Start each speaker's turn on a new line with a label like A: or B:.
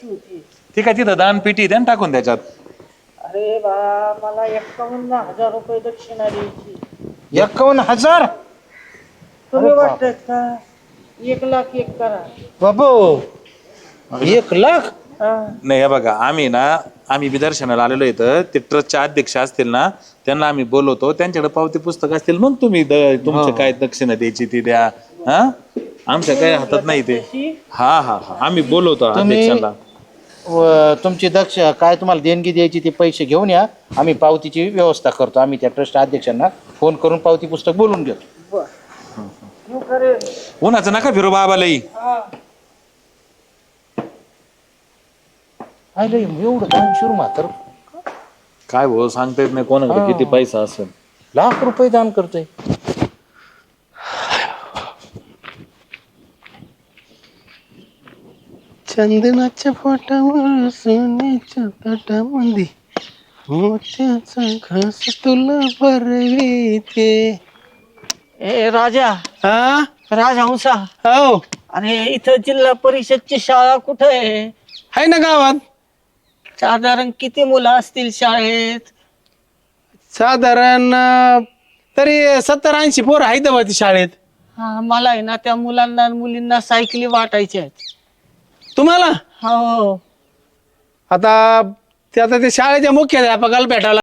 A: ती काय तिथं दानपेटी द्या ना टाकून त्याच्यात.
B: अरे बा मला 51,000 रुपये दक्षिणा द्यायची.
C: 51,000?
B: तुम्ही वाटत का 1,00,000 एक करा.
C: बाबू 1,00,000?
A: नाही हे बघा आम्ही बी दर्शनाला आलेलो इथं ते ट्रस्टचे अध्यक्ष असतील ना त्यांना आम्ही बोलवतो त्यांच्याकडे पावती पुस्तक असतील मग तुम्ही तुमचं काय दक्षिणा द्यायची ती द्या. हा आमच्या काही हातात नाही ते. हा हा हा आम्ही बोलवतो अध्यक्षांना.
C: तुमची काय तुम्हाला देणगी द्यायची ते पैसे घेऊन या. आम्ही पावतीची व्यवस्था करतो. आम्ही त्या ट्रस्ट अध्यक्षांना फोन करून पावती पुस्तक बोलून घेतो.
A: उन्हाचं नका फिरू बाबालाही.
C: एवढं दानशूर म्हातार
A: काय भाऊ सांगता येत नाही कोणाकडे किती पैसा असेल.
C: ₹1,00,000 दान करतोय.
D: चंदनाच्या पोटावर सोन्याच्या ताटामध्ये मोत्याचा घास तुला भरविते.
B: ए राजा
D: हा
B: राजहंसा,
D: हो
B: अरे इथं जिल्हा परिषदची शाळा कुठं
D: आहे ना गावात.
B: साधारण किती मुलं असतील शाळेत?
D: साधारण तरी 70-80 पोरं आहेत बा ती शाळेत.
B: हा मला आहे ना त्या मुलांना आणि मुलींना सायकली वाटायच्या आहेत.
D: तुम्हाला
B: हो
D: आता ते शाळेच्या मुख्याध्यापकाला भेटायला